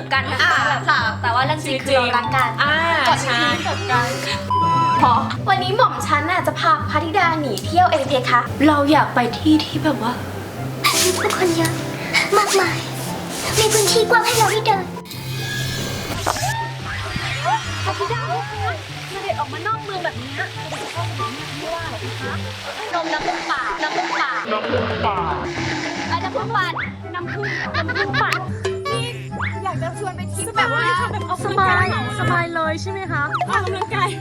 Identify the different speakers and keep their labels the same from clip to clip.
Speaker 1: กกันนะคะแบบแต่ว่าเรื่องจริงคือเรารักกัน
Speaker 2: ก่อนที่จะกันพอวันนี้หม่อมฉันน่ะจะพาพระธิดาหนีเที่ยวเองเพคะเราอยากไปที่ที่แบบว่า
Speaker 3: มีผู้คนเยอะมากมายมีพื้นที่กว้างให้เราได้เดิน
Speaker 2: พระธิดาเสด็จออกมานอกเมืองแบบนี้ไม่ว่าหรอกคะนมน้ำผึ้งป่าน้ำผึ้งป่าน้ำผึ้งป่าน้ำผึ้งป่าน้ำผึ้งป่านี่อยากจะชวนไปทริปแบบว่าสบายเลยใช่ไหมคะออกกำลังกาย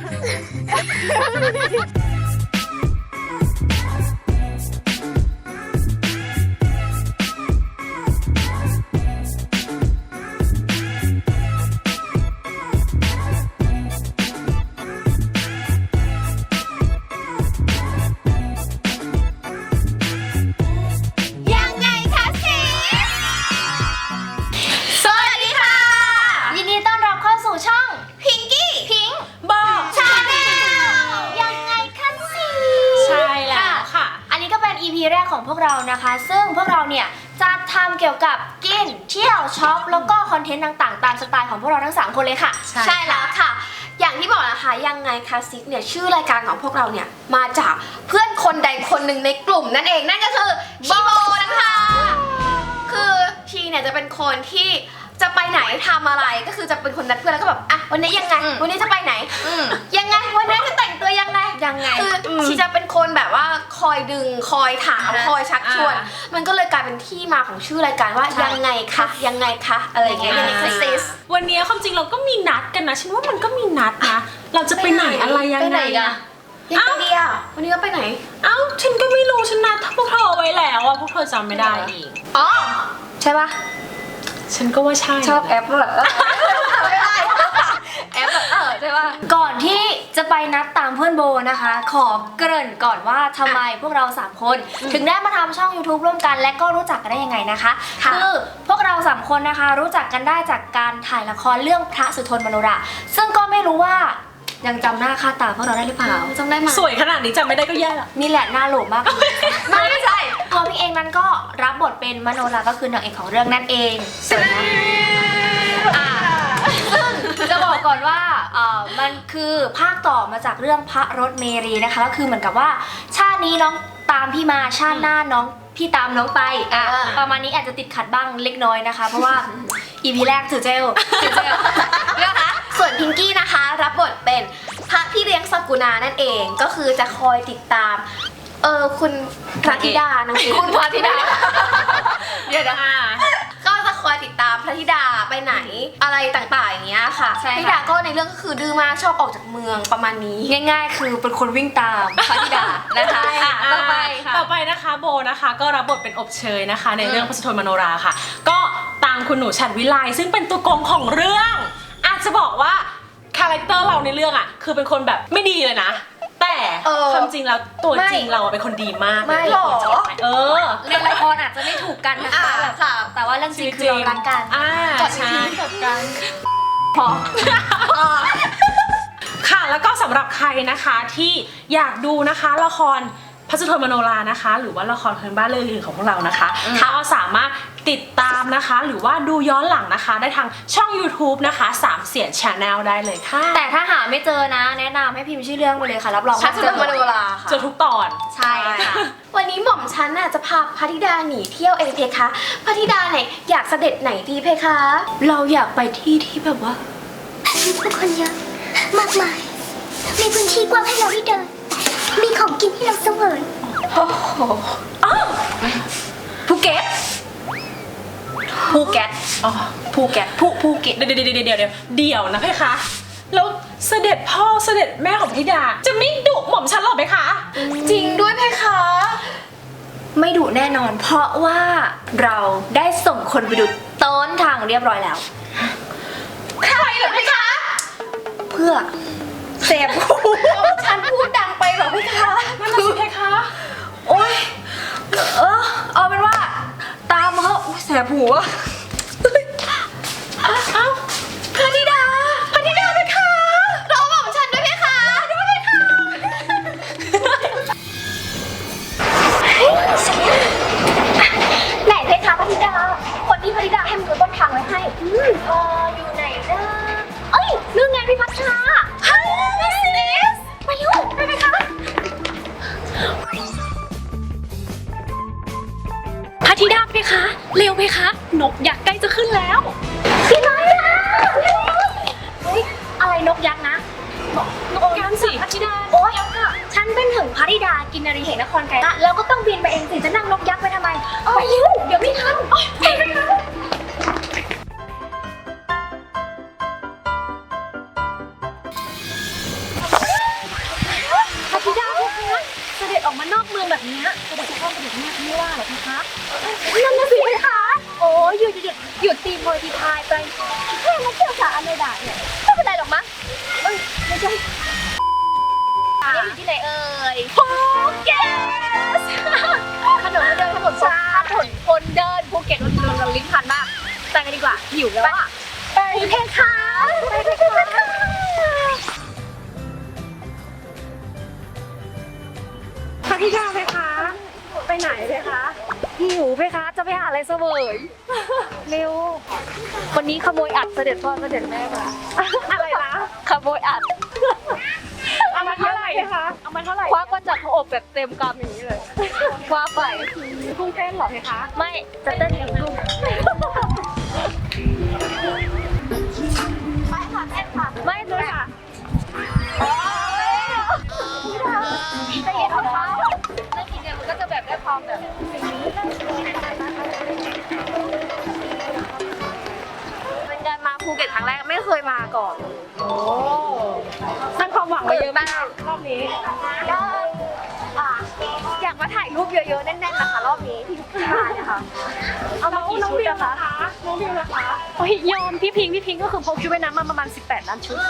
Speaker 1: แรกของพวกเรานะคะซึ่งพวกเราเนี่ยจะทำเกี่ยวกับกินเที่ยวช็อปแล้วก็คอนเทนต์ต่างๆตามสไตล์ของพวกเราทั้ง3คนเลยค่ะ
Speaker 2: ใช่แล้วค่ะอย่างที่บอกนะคะยังไงคะซิกเนี่ยชื่อรายการของพวกเราเนี่ยมาจากเพื่อนคนใดคนหนึ่งในกลุ่มนั่นเองนั่นก็คือชีโบนะคะคือชีเนี่ยจะเป็นคนที่จะไปไหนทำอะไรก็คือจะเป็นคนนัดเพื่อนแล้วก็แบบอ่ะวันนี้ยังไงวันนี้จะไปไหนยังไงวันนี้จะแต่งตัวยังไงคือชีจะเป็นคนแบบว่าคอยดึงคอยถามคอยชักชวนมันก็เลยกลายเป็นที่มาของชื่อรายการว่ายังไงคะยังไงคะอะไรอย่างเงี้ย
Speaker 4: วันนี้ความจริงเราก็มีนัดกันนะฉันว่ามันก็มีนัดนะเราจะไปไหนอะไรยังไงอะ
Speaker 2: ยังไงอ่ะวันนี้เราไปไหน
Speaker 4: ฉันก็ไม่รู้ฉันนัดพวกเธอไว้แล้วอะพวกเธอจำไม่ได้อีก
Speaker 2: อ๋อใช่ปะ
Speaker 4: ฉันก็ว่าใช่
Speaker 2: ชอบแอปเหรอไม่ได้แอปแบบใช่ป่ะ
Speaker 1: ก่อนที่จะไปนัดตามเพื่อนโบนะคะขอเกริ่นก่อนว่าทำไมพวกเรา3คนถึงได้มาทำช่อง YouTube ร่วมกันและก็รู้จักกันได้ยังไงนะคะคือพวกเรา3คนนะคะรู้จักกันได้จากการถ่ายละครเรื่องพระสุทนมโนราซึ่งก็ไม่รู้ว่ายังจำหน้าค่าตาพวกเราได้หรือเปล่า
Speaker 2: จำได้ไหม
Speaker 4: สวยขนาดนี้จำไม่ได้ก็แย่ละ
Speaker 1: นี่แหละหน้าโหลมาก
Speaker 2: ไม่ใช่
Speaker 1: ตัวพี่เองนั้นก็รับบทเป็นมโนราก็คือนางเอกของเรื่องนั่นเองสวยนะซึ่งจะบอกก่อนว่ามันคือภาคต่อมาจากเรื่องพระรถเมรีนะคะก็คือเหมือนกับว่าชาตินี้น้องตามพี่มาชาติหน้าน้องพี่ตามน้องไปประมาณนี้อาจจะติดขัดบ้างเล็กน้อยนะคะเพราะว่าอีพีแรกถือเจล
Speaker 2: นะคะส่วนพิงกี้นะคะรับบทเป็นพระพี่เลี้ยงสกุณานั่นเองก็คือจะคอยติดตามคุณพระธิดานะคุณพระธิดาเดี๋ยวนะคะก็จะคอยติดตามพระธิดาไปไหนอะไรต่างๆอย่างเงี้ยค่ะพระธิดาก็ในเรื่องก็คือดื้อมากชอบออกจากเมืองประมาณนี้
Speaker 1: ง่ายๆคือเป็นคนวิ่งตามพระธิดานะคะ
Speaker 4: ต่อไปนะคะโบนะคะก็รับบทเป็นอบเชยนะคะในเรื่องพระสุทนมโนราค่ะก็ตามคุณหนูฉัตรวิไลซึ่งเป็นตัวโกงของเรื่องอาจจะบอกว่าคาแรคเตอร์เราในเรื่องอ่ะคือเป็นคนแบบไม่ดีเลยนะแต่ความจริงแล้วตัวจริงเราเป็นคนดีมาก
Speaker 2: ไม่หรอ
Speaker 1: ในละครอาจจะไม่ถูกกันนะคะแบบแต่ว่าเรื่องจริงคือเรารักกัน
Speaker 2: ก่อนที่จะกัน
Speaker 4: พอค่ะแล้วก็สำหรับใครนะคะที่อยากดูนะคะละครพระสุทนมโนรานะคะหรือว่าละครพื้นบ้านเรื่องอื่นของพวกเรานะคะก็สามารถติดตามนะคะหรือว่าดูย้อนหลังนะคะได้ทางช่อง YouTube นะคะ3เสียง Channel ได้เลยค่ะ
Speaker 1: แต่ถ้าหาไม่เจอนะแนะนำให้พิมพ์ชื่อเรื่องไปเลยค่ะรับรอง
Speaker 2: ว่าเจอมโนราค่ะ
Speaker 4: เจอทุกตอน
Speaker 1: ใช่ค่ะ
Speaker 2: วันนี้หม่อมฉันน่ะจะพาพระธิดาหนีเที่ยวเองเพคะพระธิดาไหนอยากเสด็จไหนดีเพคะ
Speaker 1: เราอยากไปที่ที่แบบว่า
Speaker 3: มีผู้คนเยอะมากมายมีพื้นที่กว้างให้เราได้เดินมีของกินให้เราเสวย
Speaker 2: โอ้โห
Speaker 1: ภูเก็ตเ
Speaker 4: ดี๋ยวนะเพคะแล้วเสด็จพ่อเสด็จแม่ของธิดาจะไม่ดุหม่อมฉันหรอเพคะ
Speaker 2: จริงด้วยเพคะ
Speaker 1: ไม่ดุแน่นอนเพราะว่าเราได้ส่งคนไปดูต้นทางเรียบร้อยแล้ว
Speaker 2: ใครเหรอเพคะ
Speaker 1: เพื่อเสพ
Speaker 2: ฉันพูดดังไปเหรอเพคะ
Speaker 4: นั่นคือเพคะ
Speaker 1: โอ๊ยเอาเป็นว่าตามมาแสบหูอะ
Speaker 2: พระธิดาเพคะรอหม่อมฉันด้วยเพคะด้วยเพคะไหนเพคะพระธิดาคนที่พระธิดาให้มันดูต้นทางไว้ให้
Speaker 1: ไปเองสิจะนั่งนกยักษ์ไปทำไมไปเร็วเดี๋ยวไม่ทันไปนะคะพระธิดาเพคะเสด็จออกมานอกเมืองแบบนี้เสด็จจะเข้าเสด็จแม่ไม่ว่าหรอเพคะนั่นน่ะสิเพคะโอ้ยหยุดตีโพยตีพายไปแค่มาเที่ยวสาอะไรด่าเนี่ยไม่เป็นไรหรอกมั้งไม่ใช่นี่อยู่ที่ไหนเอ่ยภูเก็ตถนนเดินถนนคนเดินภูเก็ตเราลิ้นพันมากไปกันดีกว่าหิวแล้วอ่ะไปเพคะไปเพคะพระธิดาเพคะไปไหนเพคะหิวเพคะจะไปหาอะไรเสวยเร็ววันนี้ขโมยอัดเสด็จพ่อเสด็จแม่มาอะไรนะขโมยอัดเอามาเท่าไหร่คะเอามาเท่าไหร่ควักมาจากหัวอกแบบเต็มกำอย่างนี้เลยคว้าไปกุ้งเต้นหรอเพคะไม่จะเต้นอย่างกุ้งไปค่ะเต้นค่ะไม่เลยค่ะจะเห็นของเขาแล้วทีเดียวมันก็จะแบบได้ความแบบเป็นการมาภูเก็ตครั้งแรกไม่เคยมาก่อนโอ้สร้างความหวังมาเยอะมากรอบนี้ก็อยากมาถ่ายรูปเยอะๆแน่นๆนะคะรอบนี้ที่มาเนี่ยค่ะเอามากี่ชุดนะคะน้องวิวนะคะโอ้ยยอมพี่พิงก็คือพกชุดว่ายน้ำมาประมาณ18 ล้านชุด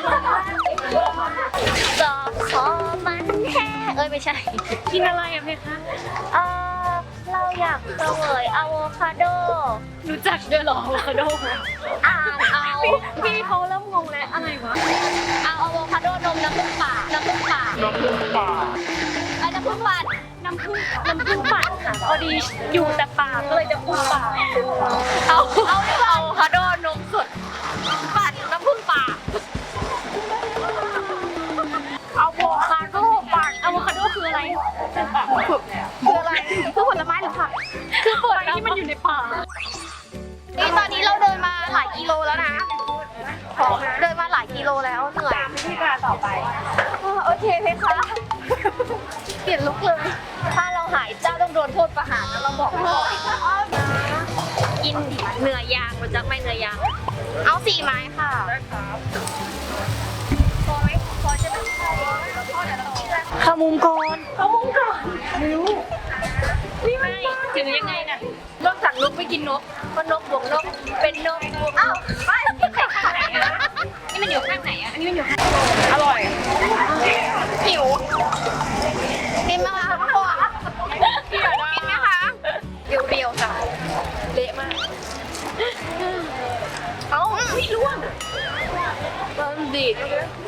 Speaker 1: จอคอมันแห้ไม่ใช่กินอะไรอะเพคะเราอยากเสวยอะโวคาโดรู้จักด้วยหรออะโวคาโดอ่านเอาพี่เขาเริ่มงงแล้วอะไรวะเอาอะโวคาโดนมน้ำผึ้งป่าไอ้น้ำผึ้งปั่นน้ำผึ้งปั่นค่ะพอดีอยู่แต่ป่าก็เลยจะพูดป่าเอาอะโวคาโดนมสดปั่นน้ำผึ้งป่าอะโวคาโดปั่นอะโวคาโดคืออะไรคืออะไรคือผลไม้หรือผักคือผลที่มันอยู่ในป่านี่ตอนนี้เราเดินมาหลายกิโลแล้วนะเดินมาหลายกิโลแล้วเหนื่อยตามวิธีการต่อไปโอเคเพคะเปลี่ยนลุกเลยถ้าเราหายเจ้าต้องโดนโทษประหารนะเราบอกก่อนกินเนื้อย่างรู้จักไหมเนื้อย่างเอา4 ไม้ค่ะได้ครับพอไหมพอจะไม่ใช่ขามุมก่อนนิ้วนี่ไม่ถึงยังไงน่ะนอกจากนกไม่กินนกก็นกบวกนกเป็นนกบวกอ้าวไปนี่ข้างไหนอะนี่มันอยู่ข้างไหนอะอันนี้มันอยู่ข้างอร่อยหิวกินไหมคะพ่อกินไหมคะเรียวๆจ้ะเละมากเอ้าไม่ร่วงมันดีด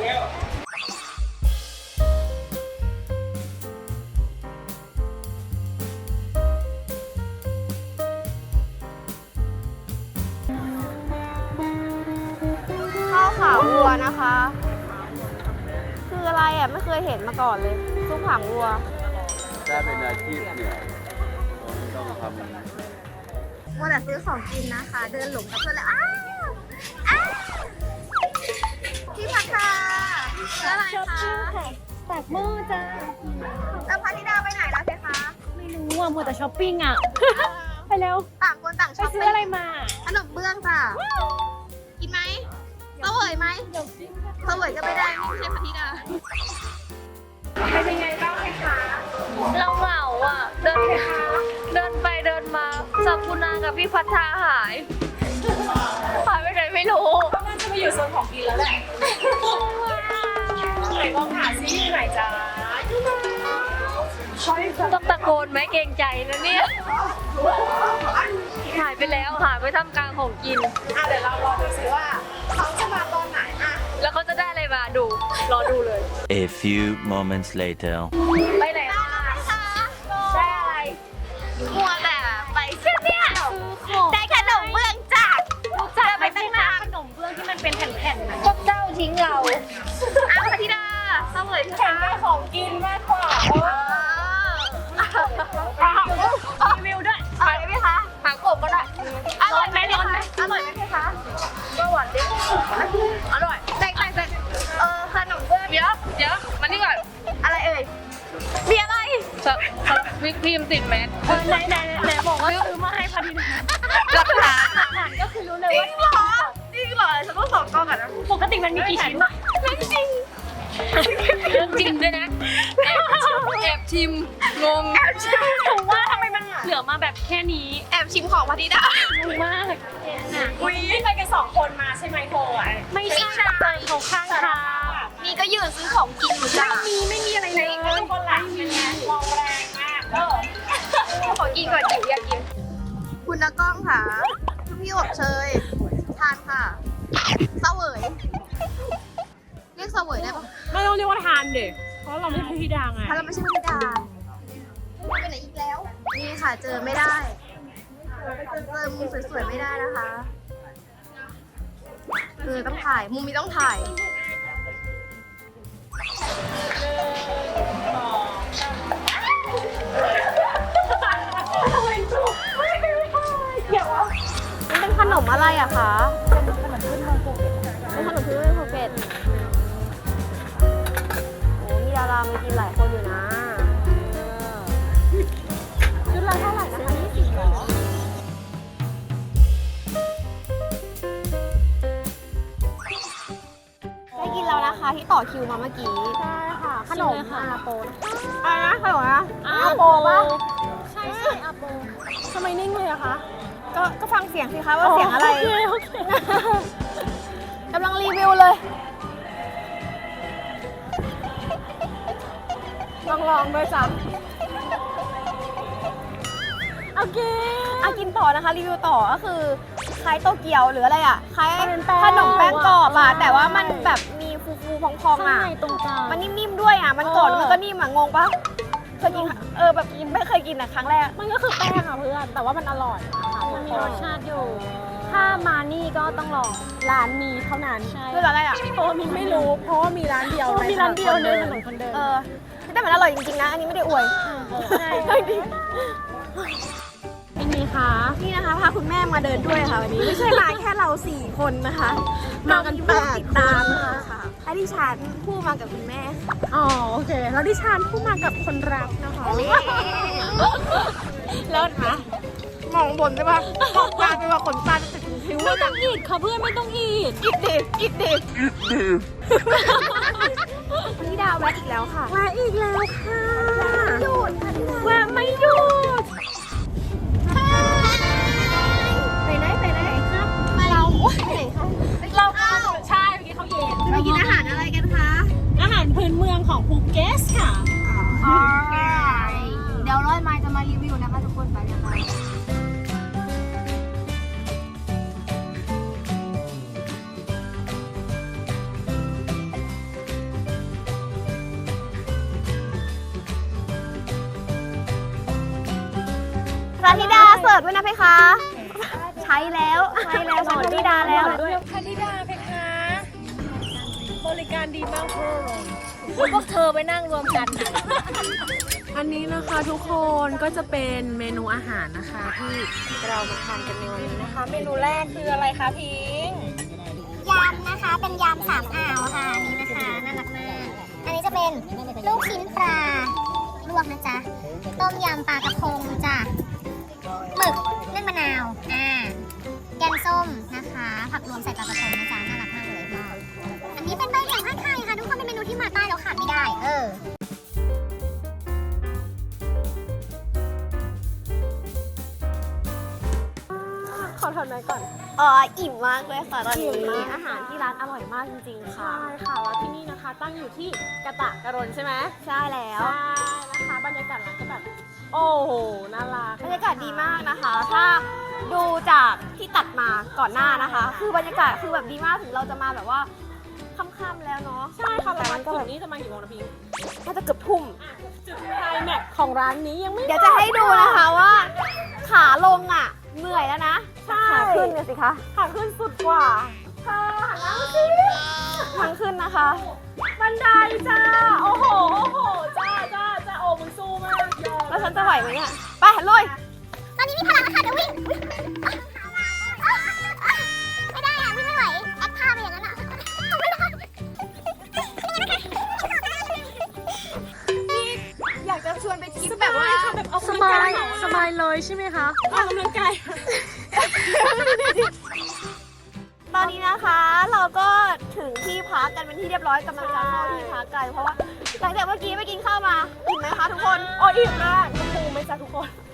Speaker 1: ข้าวขาวัวนะคะ คืออะไรอ่ะไม่เคยเห็นมาก่อนเลยซุปหางวัว
Speaker 5: ถ้าเป็นอาชีพเนี่ยต้องทำ
Speaker 3: ว่าแต่ซื้อของกินนะคะ เดินหลงกับเพื่อนแล้วอ้าวพี่พัทราอะไรคะตักหม้อจ้าแล้วพระธิดาไปไหนแล้วเพคะ
Speaker 1: ไม่รู้อ่ะมัวแต่ช้อปปิ้งอ่ะไปเร็ว
Speaker 3: ต่างคนต่าง
Speaker 1: ไป
Speaker 3: ชอบ
Speaker 1: ซื้ออะไรมา
Speaker 3: ขนมเบื้องจ้ะกินไหมเสวยไหมเสวยก็ไม่ได้ไม่ใช่พระธิดา
Speaker 1: เป็นยังไงบ้างคะเราเหงาอ่ะเดินไปเดินมาสักุณากับพี่พัทราหายไปไหนไม่รู้น่าจะไปอยู่โซนของกินแล้วแหละไหนลองหาซิอยู่ไหนจ้าต้องตะโกนไหมเกรงใจนะเนี่ยหายไปแล้วหายไปท่ามกลางของกินเดี๋ยวเรารอดูสิว่าเขาจะมาตอนไหนอะแล้วเขาจะได้อะไรมาดูรอดูเลย
Speaker 6: A few moments later.
Speaker 1: ไปไหนมาได้อะไร
Speaker 3: มัวแต่ไปเช่นเนี่ยได้ขนมเบื้องจ้ะ
Speaker 1: ลูกจ้าไม่ใช่นะขนมเบื้องที่มันเป็นแผ่นๆพวกเจ้าทิ้งเรา
Speaker 3: อ้าวพระธิดาเสวยค่ะ
Speaker 1: แข่งได้ของกินมากกว่ารีวิวด้วย
Speaker 3: อร่อยไหมคะหางกบก็ได้อร่อยไหมอร่อยไหมเพคะก็หวานดิอร่อยแต่ขนมเบื้องเดี๋ยวมานี่ก่อนอะไรเอ่ยมีอะไรมีพิมพ์ติดแมสไหนบอกว่าซื้อมาให้พอดีนะหลักฐานก็คือรู้เลยว่าจริงเหรอฉันต้องสองกล้องก่อนนะปกติมันมีกี่ชิ้นอะไม่จริงเรื่องจริงด้วยนะแอบชิมงงถูกว่าทำไมมันเหลือมาแบบแค่นี้
Speaker 2: แอบชิมของพอดีนะ
Speaker 3: งงมาก
Speaker 4: อุ้ยไปกัน2 คนมาใช่ไหมโทอ่ะ
Speaker 3: ไม่ใช่เขาข้างทาง
Speaker 2: นี่ก็ยืนซื้อของกินอยู่จ้า
Speaker 3: ไม่มีอะไรเลย
Speaker 4: ทุกคนหลังเป็นไงมองแรงมาก
Speaker 2: ขอกินก่อนจิ๋วอยากกิน
Speaker 3: คุณนักกล้องค่ะพี่อบเชยทานค่ะเสวยเรียกเสวยได้ปะ
Speaker 4: ไม่ต้องเรียกว่าทานเด็กเพราะเราไม่ใช่พี่ดังไง
Speaker 3: ถ้าเราไม่ใช่พิดาไปไหนอีกแล้ว นี่ค่ะเจอไม่ได้เจอมุมสวยๆไม่ได้นะคะต้องถ่ายมุมนี้ต้องถ่าย มันเป็นขนมอะไรอะคะเป็นขนมพื้นเมืองภูเก็ตเป็นขนมพื้นเมืองภูเก็ตโอ้มีดารามากินหลายคนอยู่นะชุดละเท่าไหร่นะคะ20หรอได้กินแล้วนะคะที่ต่อคิวมาเมื่อกี้ใช่ค่ะขนมอาโปอะไรนะขนมนะอาโปป่ะใช่อาโปทำไมนิ่งเลยอะคะก็ฟังเสียงสิคะว่าเสียงอะไรโอเคกำลังรีวิวเลยลองด้วยจ้ะโอเคกินต่อนะคะรีวิวต่อก็คือคล้ายโตเกียวหรืออะไรอ่ะคล้ายขนมแป้งกรอบอ่ะแต่ว่ามันแบบมีฟูๆพองๆอ่ะตรงกลางมันนิ่มๆด้วยอ่ะมันกรอบมันก็นิ่มอ่ะงงปะเคยกินแบบไม่เคยกินอ่ะครั้งแรกมันก็คือแป้งอ่ะเพื่อนแต่ว่ามันอร่อยมันมีรสชาติอยู่ถ้ามานี่ก็ต้องลองร้านมีเท่านั้นใช่คือร้านอะไรอ่ะเพราะว่ามีไม่รู้เพราะว่ามีร้านเดียวในถนนคนเดินแต่มันอร่อยจริงๆนะอันนี้ไม่ได้อวยใช่จริงเป็นไงคะนี่นะคะพาคุณแม่มาเดินด้วยค่ะวันนี้ไม่ใช่มาแค่เรา4 คนนะคะมากัน8ติดตามนะคะและดิฉันผู้มากับคุณแม่อ๋อโอเคแล้วดิฉันผู้มากับคนรักนะคะเลิศนะมองบนได้ปะมองตาไปว่าขนตาจะติดคิ้วไม่ต้องอีดค่ะเพื่อนไม่ต้องอีดอิดเด็กพี่ดาวแวะอีกแล้วค่ะแวะอีกแล้วค่ะหยุดแวะไม่หยุดไปไหนครับเราไปไหนคะเรา
Speaker 4: ใช่เมื่อกี้เขาเย็น
Speaker 3: จะไปกินอาหารอะไรกันคะ
Speaker 4: อาหารพื้นเมืองของภูเก็ตค่ะ
Speaker 3: เดี๋ยวร้อยไม้จะมารีวิวนะคะทุกคนไปเลยค่ะพระธิดาเสิร์ฟด้วยนะเพคะ ใช้แล้วใช้แล้วพระธิดาแล้ว
Speaker 4: พนิดาเพคะ บริการดีมากเพื่อน
Speaker 3: พวกเธอไปนั่งรวมกัน
Speaker 4: อันนี้นะคะทุกคนก็จะเป็นเมนูอาหารนะคะที่เรามาทานกันในวันนี้นะคะ เมนูแรกคืออะไรคะพิง
Speaker 7: ยำนะคะเป็นยำ3 อ่าวค่ะอันนี้นะคะน่ารักมากอันนี้จะเป็นลูกชิ้นปลาลวกนะจ๊ะต้มยำปลากระพงจ้ะหมึกนึ่งมะนาวแกงส้มนะคะผักรวมใส่ปลากระพงนะจ๊ะน่ารักมากเลยอันนี้เป็นใบเหลียงผ้าไทยค่ะทุกคนเป็นเมนูที่มาใต้แล้วขาดไม่ได้
Speaker 3: ขอทำหน่อยก่อนอิ่มมากเลยค่ะตอนนี้อาหารที่ร้านอร่อยมากจริงๆค่ะ
Speaker 4: ใช่ค่ะแล้วที่นี่นะคะตั้งอยู่ที่กะตะกะรนใช่ไหม
Speaker 3: ใช่แล้ว
Speaker 4: ใช่นะคะบรรยากาศร้านก็แบบโอ้โหน่ารัก
Speaker 3: บรรยากาศดีมากนะคะ ถ้าดูจากที่ตัดมาก่อนหน้านะคะ คือบรรยากาศคือแบบดีมากถึงเราจะมาแบบว่าค่ำๆแล้วเนาะ
Speaker 4: ใช่ค่ะ
Speaker 3: แต่
Speaker 4: แต่
Speaker 3: มั
Speaker 4: มัน น
Speaker 3: ก็
Speaker 4: ก็
Speaker 3: แบ
Speaker 4: แบบ บนี้จะมากี่โมงนะพิง
Speaker 3: น่าจะเกือบทุ่ม
Speaker 4: จุดไคลแม็กซ์ของร้านนี้ยังไม่
Speaker 3: เดี๋ยวจะให้ดูนะคะว่าขาลงอ่ะเหนื่อยแล้วนะขาขึ้นเนี่ยสิคะ
Speaker 4: ขาขึ้นสุดกว่า
Speaker 3: ทางขึ้นนะคะ
Speaker 4: บันไดจ้าโอ้โหจ้าโอ้มึงสู้มากยอม
Speaker 3: แล้วฉันจะไหวไหมเนี่ย ไปลุย
Speaker 7: ตอนนี้มีพลังแล้วค่ะเดี๋ยววิ่งไม่ได้วิ่งไม่ไหวแอคท่าไปอย่างนั้นไม่ได้
Speaker 3: อยากจะชวนไปทริปแบบว่า
Speaker 4: เลยใช่ไหมคะออกกำลังกาย
Speaker 3: ตอนนี้นะคะเราก็ถึงที่พักกันเป็นที่เรียบร้อยกำลังจะเข้าที่พักกันเพราะว่าหลังจากเมื่อกี้ไปกินข้าวมาอิ่มไหมคะทุกคนโอ้อิ่มมากคุณครูไหมจ๊ะทุกคนโอ้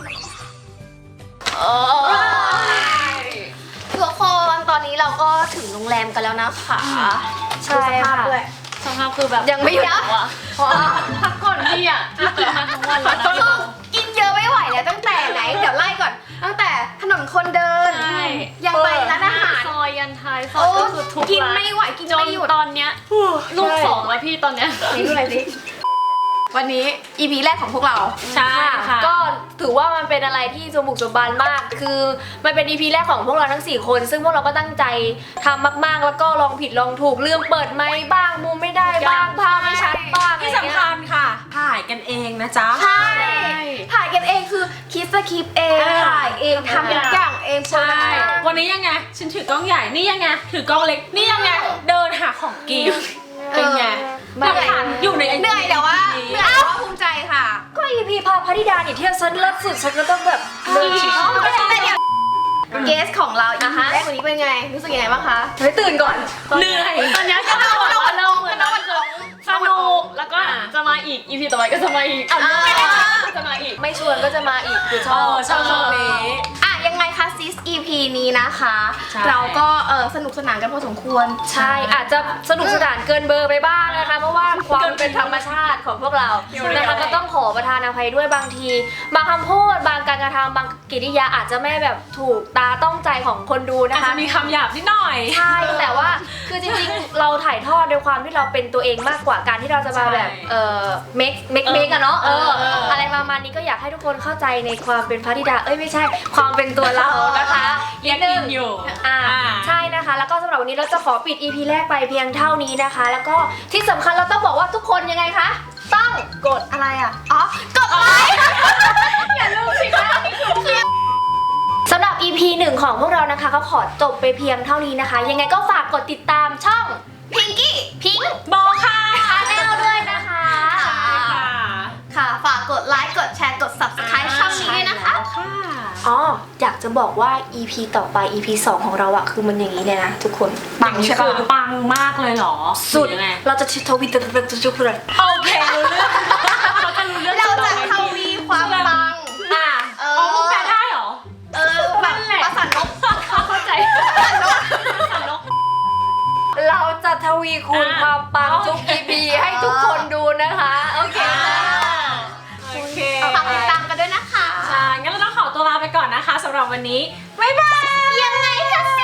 Speaker 2: ทุกคนตอนนี้เราก็ถึงโรงแรมกันแล้วนะคะ
Speaker 1: ใช่ค่ะ
Speaker 2: ด้วย
Speaker 4: สภาพคือแบบ
Speaker 2: ยังไม่หยุดอ่ะ
Speaker 4: พักก่อนพี่อ่ะกินมาทั้งวันแล้ว
Speaker 2: คือกินเยอะไม่ไหวแล้วตั้งแต่ไหน เดี๋ยวไล่ก่อน ตั้งแต่ถนนคนเดิน
Speaker 4: ใช่
Speaker 2: ยังไปร้านอาหาร
Speaker 8: ซอยยันท้ายซอ
Speaker 2: โอ้
Speaker 8: ยก็คือทุก
Speaker 2: กิน
Speaker 8: ร้าน
Speaker 2: ไม่ไหวกิน
Speaker 8: จน
Speaker 2: ไม่หยุด
Speaker 8: ตอนเนี้ยลูก 2แล้วพี่ตอนเนี้ย
Speaker 2: นี่ดูอะไรสิวันนี้ EP แรกของพวกเรา
Speaker 4: ใช่ค่ะ
Speaker 1: ก็ถือว่ามันเป็นอะไรที่สมบุกสมบันมาก คือมันเป็น EP แรกของพวกเราทั้ง 4 คน ซึ่งพวกเราก็ตั้งใจทำมากๆ แล้วก็ลองผิดลองถูกลืมเปิดไมค์บ้างมุมไม่ได้บ้างภาพไม่ชัดบ้าง
Speaker 4: ที่สำคัญค่ะ ถ่ายกันเองนะจ๊ะ
Speaker 2: ใช่ ถ่ายกันเองคือคิดสคริปต์เอง ถ่ายเองทำทุกอย่างเองโปร
Speaker 4: ใช่
Speaker 2: ดักชั่น
Speaker 4: วันนี้ยังไง ฉันถือกล้องใหญ่ นี่ยังไง ถือกล้องเล็ก นี่ยังไง เดินหาของกิน เป็นไงหลักฐานอยู่ใน
Speaker 2: เหนื่อยแต่ว่าเหนื่อยแต่ว่าภูมิใจค่ะ
Speaker 1: ก็ EP พาพธิดาเนี่ยเที่ยวฉันเลิศสุดฉันก็ต้องแบบเดินฉีก
Speaker 2: แต่เดี๋ยวเกสของเราอีกแรกวันนี้เป็นไง รู้สึกยังไงบ้างคะ
Speaker 1: เฮ้ยตื่นก่อน
Speaker 4: เหนื่อย
Speaker 8: ตอนเนี้ยก็ต้องบอกว่าเราเหมือนมันคือสนุกแล้วก็จะมาอีก EP ต่อไปก็จะมาอีกจะมาอีก
Speaker 1: ไม่ชวนก็จะมาอีกคือช
Speaker 4: เอ
Speaker 1: อบ
Speaker 4: อชอบช่วงนี้
Speaker 2: อ่ะยังไงคะซิส EP นี้นะคะ
Speaker 4: ใช่
Speaker 2: เราก็สนุกสนานกันพอสมควร
Speaker 1: ใช่อาจจะสนุกสนานเกินเบอร์ไปบ้างนะคะ เพราะว่าความเป็นธรรมชาติของพวกเรานะคะก็ต้องขอประทานอภัยด้วยบางที บางคำพูดบางการกระทำบางกิริยาอาจจะไม่แบบถูกตาต้องใจของคนดู
Speaker 4: อาจ
Speaker 1: นะคะ
Speaker 4: จะมีคำหยาบนิดหน่อย
Speaker 1: ใช่แต่ว่าคือจริงๆ เราถ่ายทอดด้วยความที่เราเป็นตัวเองมากกว่าการที่เราจะมาแบบเมคอะเนาะอะไรประมาณนี้ก็อยากให้ทุกคนเข้าใจในความเป็นพระธิดาไม่ใช่ความเป็นตัวเรานะคะ
Speaker 4: เรียกกินอยู่
Speaker 1: ใช่นะคะ แล้วก็สำหรับวันนี้เราจะขอปิด EP แรกไปเพียงเท่านี้นะคะ แล้วก็ที่สำคัญเราต้องบอกว่าทุกคนยังไงคะต้องกด
Speaker 2: อะไรอ่ะ อ๋อ กดไลค์
Speaker 1: อย่าลืมสิคะสำหรับ EP 1 ของพวกเรานะคะก็ขอจบไปเพียงเท่านี้นะคะ ยังไงก็ฝากกดติดตามช่อง
Speaker 2: พิงกี้
Speaker 1: พิง
Speaker 4: บอค่ะ
Speaker 1: ชาแนลด้วยนะคะ
Speaker 2: ค่ะ ฝากกดไลค์ กดแชร์ กด subscribe ช่องนี้ด้วยนะคะ
Speaker 1: อ๋อ อยากจะบอกว่า EP ต่อไป EP 2 ของเราอะคือมันอย่างนี้เลยนะทุกคน
Speaker 4: ปังใช่ปะปังมากเลยเหรอ
Speaker 1: สุด
Speaker 4: หรือยังไง
Speaker 1: เราจะทวิตทุกคน
Speaker 4: โอเครู้เรื่องเขาจะรู้เรื่อง
Speaker 2: เราจะทวีความปัง
Speaker 1: อ่ะ
Speaker 4: อ๋อมึงแปลได้เหรอ
Speaker 2: แบบประสานนก
Speaker 8: เข้าใจ
Speaker 1: เราจะทวีคูณความปังทุก EP ให้ทุกคนดูนะคะ โอเค
Speaker 4: โอเค
Speaker 2: ฝากติดตามกันด้วยนะคะ
Speaker 4: ใช่งั้นเราต้องขอตัวลาไปก่อนนะคะสำหรับวันนี้ บ๊ายบาย
Speaker 2: ยังไงคะ